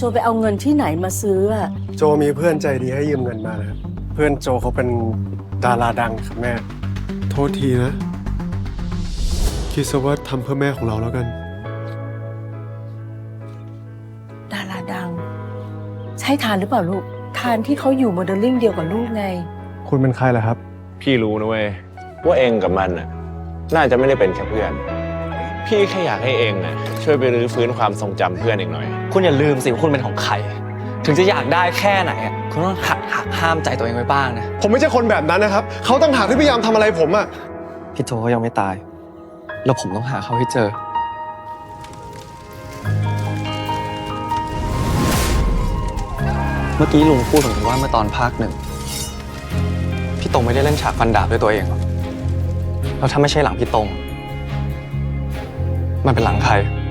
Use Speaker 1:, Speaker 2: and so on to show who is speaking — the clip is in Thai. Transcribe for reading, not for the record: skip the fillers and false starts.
Speaker 1: ไปเอาเงินที่ไหนมาซื้ออะ
Speaker 2: โจมีเพื่อนใจดีให้ยืมเงินมานะครับเพื่อนโจเขาเป็นดาราดังครับแม่โทษทีนะคิดซะว่าทำเพื่อแม่ของเราแล้วกัน
Speaker 1: ดาราดัง ใช่ทานหรือเปล่าลูก ทานที่เขาอยู่โมเดลลิ่งเดียวกับลูกไง
Speaker 2: คุณเป็นใครล่ะครับ
Speaker 3: พี่รู้นะเว้ยว่าเองกับมันน่ะน่าจะไม่ได้เป็นแค่เพื่อน พี่แค่อยากให้เองน่ะช่วยไปรื้อฟื้นความทรงจำเพื่อนเองหน่อย
Speaker 4: คุณอย่าลืมสิว่าคุณเป็นของใคร ถึงจะอยากได้แค่ไหนอะคุณต้องหักห้ามใจตัวเองไว้บ้างนะ
Speaker 2: ผมไม่ใช่คนแบบนั้นนะครับเขาตั้งหากที่พยายามทำอะไรผมอะ
Speaker 4: พี่โจเขายังไม่ตาย แล้วผมต้องหาเขาให้เจอ เมื่อกี้ลุงพูดถึงว่าเมื่อตอนภาค 1พี่ตรงไม่ได้เล่นฉากฟันดาบด้วยตัวเองหรอกแล้วถ้าไม่ใช่หลังพี่ตรงมันเป็นหลังใคร